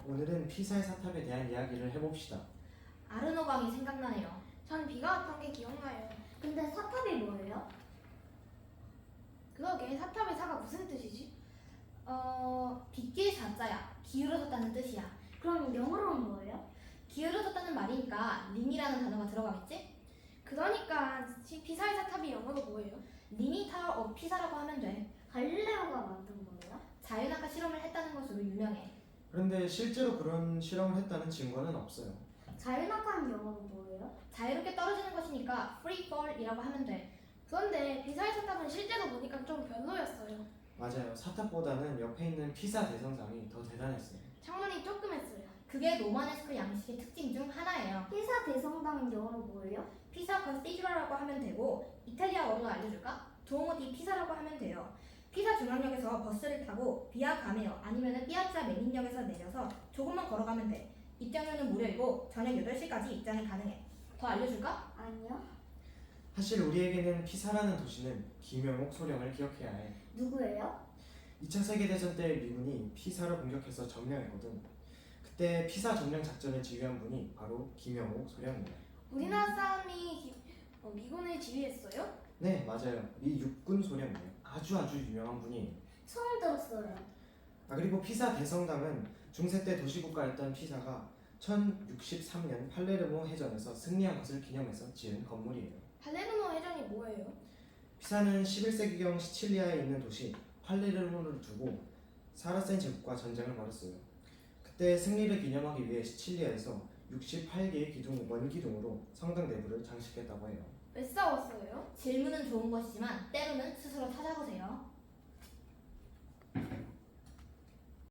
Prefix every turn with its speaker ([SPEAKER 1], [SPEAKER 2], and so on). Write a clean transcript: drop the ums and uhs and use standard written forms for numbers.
[SPEAKER 1] 오늘은 피사의 사탑에 대한 이야기를 해봅시다.
[SPEAKER 2] 아르노강이 생각나네요.
[SPEAKER 3] 전 비가 왔던 게 기억나요.
[SPEAKER 4] 근데 사탑이 뭐예요?
[SPEAKER 3] 그러게 사탑의 사가 무슨 뜻이지?
[SPEAKER 2] 빗길 자자야. 기울어졌다는 뜻이야.
[SPEAKER 4] 그럼 영어로는 뭐예요?
[SPEAKER 2] 기울어졌다는 말이니까 림이라는 단어가 들어가겠지?
[SPEAKER 3] 그러니까 피사의 사탑이 영어로 뭐예요?
[SPEAKER 2] 리니 타워 오브 피사라고 하면 돼.
[SPEAKER 4] 갈릴레오가 만든 거예요?
[SPEAKER 2] 자연학과 실험을 했다는 것으로 유명해.
[SPEAKER 1] 그런데 실제로 그런 실험을 했다는 증거는 없어요.
[SPEAKER 4] 자연학과는 영어로 뭐예요?
[SPEAKER 2] 자유롭게 떨어지는 것이니까 free fall이라고 하면 돼.
[SPEAKER 3] 그런데 피사의 사탑은 실제로 보니까 좀 별로였어요.
[SPEAKER 1] 맞아요. 사탑보다는 옆에 있는 피사 대성당이 더 대단했어요.
[SPEAKER 3] 창문이 조그맸어요.
[SPEAKER 2] 그게 로마네스크 양식의 특징 중 하나예요.
[SPEAKER 4] 피사 대성당은 영어로 뭐예요?
[SPEAKER 2] 피사 컨시드라라고 하면 되고 이탈리아어로 알려줄까? 두오모 디 피사라고 하면 돼요. 피사 중앙역에서 버스를 타고 비아 가메오 아니면 피아자 메닌역에서 내려서 조금만 걸어가면 돼. 입장료는 무료이고 저녁 8시까지 입장이 가능해. 더 알려줄까?
[SPEAKER 4] 아니요.
[SPEAKER 1] 사실 우리에게는 피사라는 도시는 김영옥 소령을 기억해야 해.
[SPEAKER 4] 누구예요?
[SPEAKER 1] 2차 세계대전 때 미군이 피사를 공격해서 점령했거든. 그때 피사 점령 작전을 지휘한 분이 바로 김영옥 소령이에요.
[SPEAKER 3] 우리나라 사람이 미군을 지휘했어요?
[SPEAKER 1] 네, 맞아요. 미 육군 소령이에요. 아주 유명한 분이에요.
[SPEAKER 4] 처음 들었어요.
[SPEAKER 1] 그리고 피사 대성당은 중세 때 도시국가였던 피사가 1063년 팔레르모 해전에서 승리한 것을 기념해서 지은 건물이에요.
[SPEAKER 3] 팔레르모 해전이 뭐예요?
[SPEAKER 1] 피사는 11세기경 시칠리아에 있는 도시 팔레르모를 두고 사라센 제국과 전쟁을 벌였어요. 그때 승리를 기념하기 위해 시칠리아에서 68개의 원기둥으로 성당 내부를 장식했다고 해요.
[SPEAKER 3] 왜 싸웠어요?
[SPEAKER 2] 질문은 좋은 것이지만 때로는 스스로 찾아보세요.